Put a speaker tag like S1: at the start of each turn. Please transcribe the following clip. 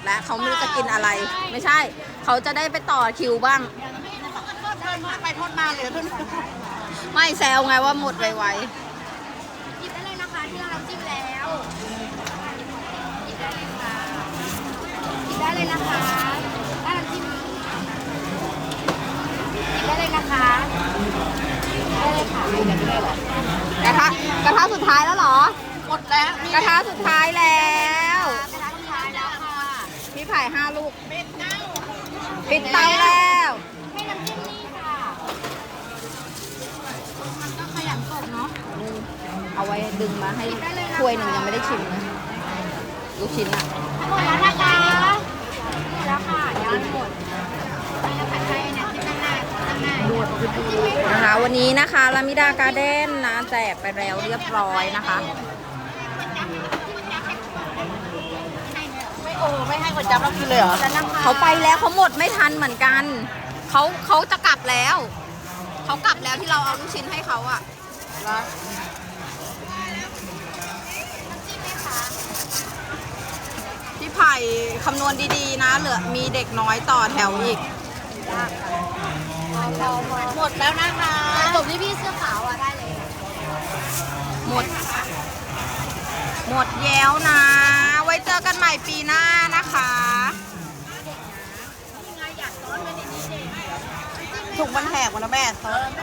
S1: แล้วเขาไม่รู้จะกินอะไร ไม่ใช่เขาจะได้ไปต่อคิวบ้าง
S2: ไปทอดมาเหลือเท่านี้
S1: ไม่แซวไงว่าหมดไว
S3: หยิบได้เลยนะคะที่เราจิ้มแล้วหยิบได้เลยค่ะหยิบได้เลยนะคะถ้าเราจิ้มหยิบได้เลยนะคะได้เลยค่ะไม่ได้หรอก
S1: ระทะสุดท้ายแล้วเหรอ
S2: หมดแล้ว
S1: กระทะสุดท้ายแล้ว
S3: กระทะสุดท้ายแล้วค่ะ
S1: พี่ไผ่5 ลูก
S2: เป็ดเน่า
S1: ปิดเตาแล้ว
S3: ให้น้ำจิ้มนี่ค่ะมันก็ขยันกดเนาะ
S1: เอาไว้ดึงมาให้ถ้วยหนึ่งยังไม่ได้ชิมนะลูกชิ้นอะ
S3: หมดแล้วนะคะหมดแล้วค่ะยังหมดไม่แล้วผัดไทยเนี่ยที่หน้า
S1: นะคะวันนี้นะคะลามิดาการ์เด้นนะแจกไปแล้วเรียบร้อยนะคะ
S2: ไม่ให้คนจับเรากินเลยเหรอ
S1: เขาไปแล้วเขาหมดไม่ทันเหมือนกันเขาจะกลับแล้วเขากลับแล้วที่เราเอาลูกชิ้นให้เขาอะพี่ไผ่คำนวณดีๆนะเหลือมีเด็กน้อยต่อแถวอีก
S2: หมดแล้วนะคะ
S3: จบที่พี่เสื้อขาวอ่ะได้เลย
S1: หมดแล้วนะ ไว้เจอกันใหม่ปีหน้านะคะ
S2: ถุงมันแหกหมดแล้วแม่